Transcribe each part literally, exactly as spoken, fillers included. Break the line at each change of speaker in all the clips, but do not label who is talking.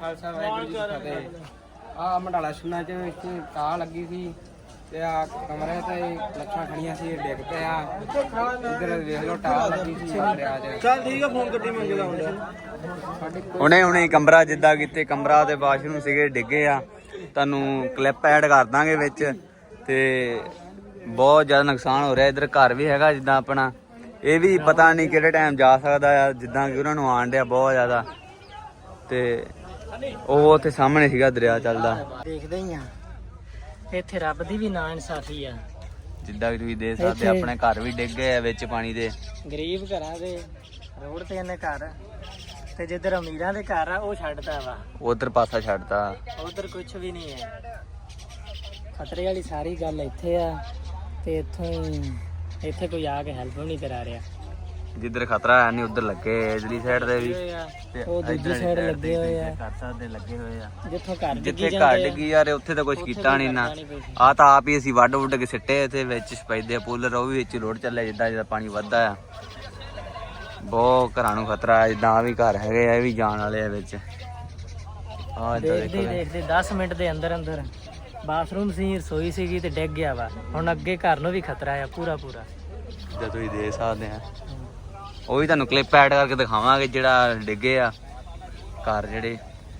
ਖਾਲਸਾ ਵਾਹਿਗੁਰੂ ਜੀ ਕੀ ਫਤਿਹ। ਆ ਮੰਡਾਲਾ ਸੁਣਾ ਚ ਇੱਥੇ ਟਾਹ ਲੱਗੀ ਸੀ ਤੇ ਆ ਕਮਰੇ ਤੇ ਲੱਛਾਂ ਖੜੀਆਂ ਸੀ, ਡਿੱਗ ਪਿਆ। ਇੱਧਰ ਵੇਖ ਲਓ ਟਾਹ ਲੱਗੀ ਸੀ ਦਰਿਆ ਚ।
ਚੱਲ ਠੀਕ ਆ, ਫੋਨ ਗੱਡੀ ਮੰਗੇ ਦਾ ਹੁੰਦਾ
ਹੁਣੇ ਹੁਣੇ ਕਮਰਾ ਜਿੱਦਾਂ ਕਿਤੇ ਕਮਰਾ ਤੇ ਵਾਸ਼ਰੂਮ ਸੀਗੇ ਡਿੱਗੇ ਆ, ਤੁਹਾਨੂੰ ਕਲਿੱਪ ਐਡ ਕਰ ਦਾਂਗੇ ਵਿੱਚ। ਤੇ ਬਹੁਤ ਜ਼ਿਆਦਾ ਨੁਕਸਾਨ ਹੋ ਰਿਹਾ। ਇੱਧਰ ਘਰ ਵੀ ਹੈਗਾ ਜਿੱਦਾਂ ਆਪਣਾ, ਇਹ ਵੀ ਪਤਾ ਨਹੀਂ ਕਿਹੜੇ ਟਾਈਮ ਜਾ ਸਕਦਾ ਆ, ਜਿੱਦਾਂ ਕਿ ਉਹਨਾਂ ਨੂੰ ਆਣ ਡਿਆ ਬਹੁਤ ਜ਼ਿਆਦਾ। ਤੇ ਉਹ ਉੱਥੇ ਸਾਹਮਣੇ ਸੀਗਾ ਦਰਿਆ ਚੱਲਦਾ,
ਦੇਖਦੇ ਹੀ ਆ। ਇੱਥੇ ਰੱਬ ਦੀ ਵੀ ਨਾ ਇਨਸਾਫੀ ਆ।
ਜਿੱਦਾਂ ਕਿ ਤੁਸੀਂ ਦੇਖ ਸਕਦੇ ਆਪਣੇ ਘਰ ਵੀ ਡਿੱਗ ਗਏ ਆ ਵਿੱਚ ਪਾਣੀ ਦੇ।
ਗਰੀਬ ਘਰਾਂ ਦੇ ਰੋਡ ਤੇ ਨੇ ਘਰ, ਤੇ ਜਿੱਧਰ ਅਮੀਰਾਂ ਦੇ ਘਰ ਆ ਉਹ ਛੱਡਦਾ ਵਾ,
ਉਧਰ ਪਾਸਾ ਛੱਡਤਾ।
ਉਧਰ ਕੁਝ ਵੀ ਨਹੀਂ ਹੈ। ਖਤਰੇ ਵਾਲੀ ਸਾਰੀ ਗੱਲ ਇੱਥੇ ਆ, ਤੇ ਇੱਥੋਂ ਇੱਥੇ ਕੋਈ ਆ ਕੇ ਹੈਲਪ ਵੀ ਨਹੀਂ ਕਰਾ ਰਿਹਾ।
ਜਿੱਧਰ ਖਤਰਾ ਹੈ ਨਹੀਂ ਉਧਰ ਲੱਗੇ, ਇਧਰਲੀ ਸਾਈਡ ਤੇ ਵੀ,
ਉਹ ਦੂਜੀ ਸਾਈਡ ਲੱਗੇ ਹੋਏ ਆ।
ਕਰ ਸਕਦੇ ਲੱਗੇ ਹੋਏ ਆ।
ਜਿੱਥੋਂ ਘਰ
ਜਿੱਥੇ ਘਰ ਡਿੱਗੀ ਯਾਰ ਉੱਥੇ ਤਾਂ ਕੁਝ ਕੀਤਾ ਨਹੀਂ ਨਾ। ਆ ਤਾਂ ਆਪ ਹੀ ਅਸੀਂ ਵੱਢ ਵੁੱਢ ਕੇ ਸਿੱਟੇ ਤੇ ਵਿੱਚ ਸਪੈਦੇ ਪੂਲਰ, ਉਹ ਵੀ ਵਿੱਚ ਰੋਡ ਚੱਲਿਆ ਜਿੱਦਾਂ ਜਿੱਦਾਂ ਪਾਣੀ ਵੱਧਦਾ ਆ। ਬਹੁਤ ਘਰਾਂ ਨੂੰ ਖਤਰਾ ਹੈ। ਜਿੱਦਾਂ ਆ ਵੀ ਘਰ ਹੈਗੇ ਆ, ਇਹ ਵੀ ਜਾਣ ਵਾਲੇ ਆ ਵਿੱਚ। ਆ
ਦੇਖਦੇ ਦੇਖਦੇ ਦਸ ਮਿੰਟ ਦੇ ਅੰਦਰ ਅੰਦਰ ਬਾਥਰੂਮ ਸੀ, ਰਸੋਈ ਸੀਗੀ ਤੇ ਡਿੱਗ ਗਿਆ ਵਾ। ਹੁਣ ਅੱਗੇ ਘਰ ਨੂੰ ਵੀ ਖਤਰਾ ਆ ਪੂਰਾ ਪੂਰਾ।
ਜਿੱਦਾਂ ਤੁਸੀਂ ਦੇਖ ਸਕਦੇ ਆ, ਉਹ ਵੀ ਤੁਹਾਨੂੰ ਕਲਿੱਪ ਐਡ ਕਰਕੇ ਦਿਖਾਵਾਂਗੇ ਜਿਹੜਾ ਡਿੱਗੇ ਆ ਘਰ ਜਿਹੜੇ।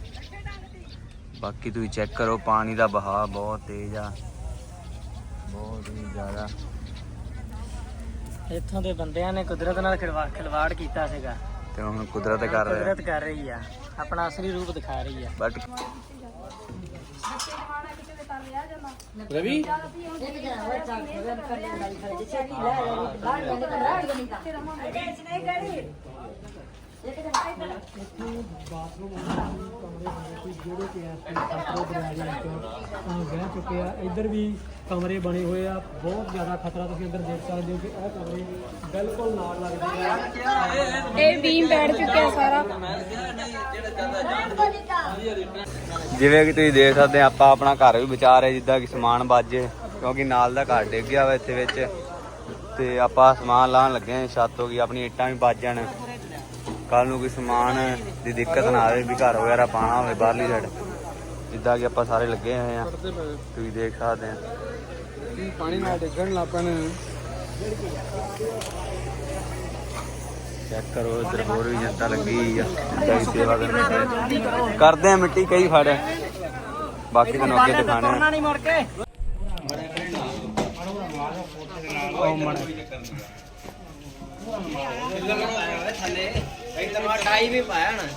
ਬਾਕੀ ਤੁਸੀਂ ਚੈੱਕ ਕਰੋ, ਪਾਣੀ ਦਾ ਬਹਾਅ ਬਹੁਤ ਤੇਜ਼ ਆ, ਬਹੁਤ ਹੀ ਜ਼ਿਆਦਾ।
ਇੱਥੋਂ ਦੇ ਬੰਦਿਆਂ ਨੇ ਕੁਦਰਤ ਨਾਲ ਖਿਲਵਾ ਖਿਲਵਾੜ ਕੀਤਾ ਸੀਗਾ,
ਤੇ ਹੁਣ ਕੁਦਰਤ ਕਰ ਰਿਹਾ,
ਕੁਦਰਤ ਕਰ ਰਹੀ ਆ, ਆਪਣਾ ਅਸਲੀ ਰੂਪ ਦਿਖਾ ਰਹੀ ਆ।
ਬਟ
ਰਵੀ
ਬਹਿ ਚੁੱਕੇ ਆ। ਇੱਧਰ ਵੀ ਕਮਰੇ ਬਣੇ ਹੋਏ ਆ, ਬਹੁਤ ਜ਼ਿਆਦਾ ਖਤਰਾ। ਤੁਸੀਂ ਅੰਦਰ ਦੇਖ ਸਕਦੇ ਹੋ ਕਿ ਇਹ ਕਮਰੇ ਬਿਲਕੁਲ ਨਾਲ ਲੱਗਦੇ ਆ।
ਇਹ ਬੀਮ ਬੈਠ ਚੁੱਕਿਆ ਸਾਰਾ।
ਜਿਵੇਂ ਕਿ ਤੁਸੀਂ ਦੇਖ ਸਕਦੇ ਆ, ਆਪਾਂ ਆਪਣਾ ਘਰ ਵੀ ਬਚਾ ਰਹੇ ਜਿੱਦਾਂ ਕਿ ਸਮਾਨ ਬਾਜੇ, ਕਿਉਂਕਿ ਨਾਲ ਦਾ ਘਰ ਡਿੱਗ ਗਿਆ ਵਾ ਇੱਥੇ ਵਿੱਚ। ਤੇ ਆਪਾਂ ਸਮਾਨ ਲਾਉਣ ਲੱਗੇ ਆ, ਛੱਤ ਹੋ ਗਈ ਆਪਣੀ, ਇੱਟਾਂ ਵੀ ਵੱਜ ਜਾਣ, ਕੱਲ ਨੂੰ ਕੋਈ ਸਮਾਨ ਦੀ ਦਿੱਕਤ ਨਾ ਆਵੇ ਵੀ ਘਰ ਵਗੈਰਾ ਪਾਣਾ ਹੋਵੇ ਬਾਹਰਲੀ ਸਾਈਡ। ਜਿੱਦਾਂ ਕਿ ਆਪਾਂ ਸਾਰੇ ਲੱਗੇ ਹੋਏ ਆ, ਤੁਸੀਂ ਦੇਖ ਸਕਦੇ ਆ।
ਪਾਣੀ ਨਾਲ ਡਿੱਗਣ ਲੱਗ ਪੈਣ।
ਚੈੱਕ ਕਰੋ, ਇੱਧਰ ਹੋਰ ਵੀ ਜਨਤਾ ਲੱਗੀ ਆ ਜਿੱਦਾਂ ਕਿ ਸੇਵਾ ਕਰਨ ਕਰਦੇ ਆ। ਮਿੱਟੀ ਕਈ ਫੜ, ਬਾਕੀ ਤੁਹਾਨੂੰ ਅੱਗੇ ਦਿਖਾਣੇ ਆ।
ਨਹੀਂ ਮੁੜ ਕੇ
ਟਾਈ ਵੀ ਪਾਇਆ ਨਾ।